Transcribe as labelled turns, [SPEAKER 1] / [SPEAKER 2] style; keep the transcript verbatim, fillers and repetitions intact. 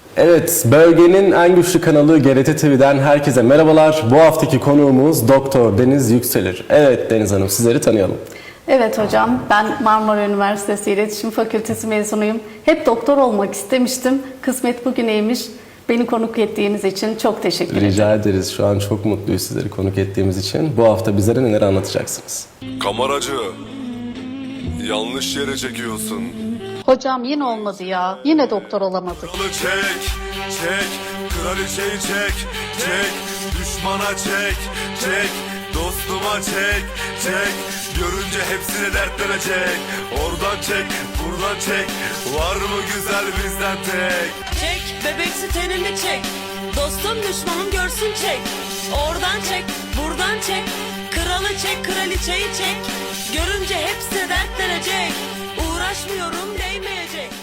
[SPEAKER 1] Evet, bölgenin en güçlü kanalı G R T T V'den herkese merhabalar. Bu haftaki konuğumuz Doktor Deniz Yükselir. Evet Deniz Hanım, sizleri tanıyalım.
[SPEAKER 2] Evet hocam, ben Marmara Üniversitesi İletişim Fakültesi mezunuyum. Hep doktor olmak istemiştim. Kısmet bugüneymiş. Beni konuk ettiğiniz için çok teşekkür ederim.
[SPEAKER 1] Rica ederiz. Şu an çok mutluyuz sizleri konuk ettiğimiz için. Bu hafta bizlere neler anlatacaksınız?
[SPEAKER 3] Kameracı, yanlış yere çekiyorsun.
[SPEAKER 2] Hocam yine olmadı ya. Yine doktor olamadık.
[SPEAKER 3] Kralı çek, çek, kraliçeyi çek, çek, düşmana çek, çek, dostuma çek, çek, görünce hepsine dertlenecek. Oradan çek, buradan çek, var mı güzel bizden tek?
[SPEAKER 4] Çek, bebeksi tenini çek. Dostum düşmanım görsün çek. Oradan çek, buradan çek. Kralı çek, kraliçeyi çek. Görünce hepsi dertlenecek. Uğraşmıyorum değmeyecek.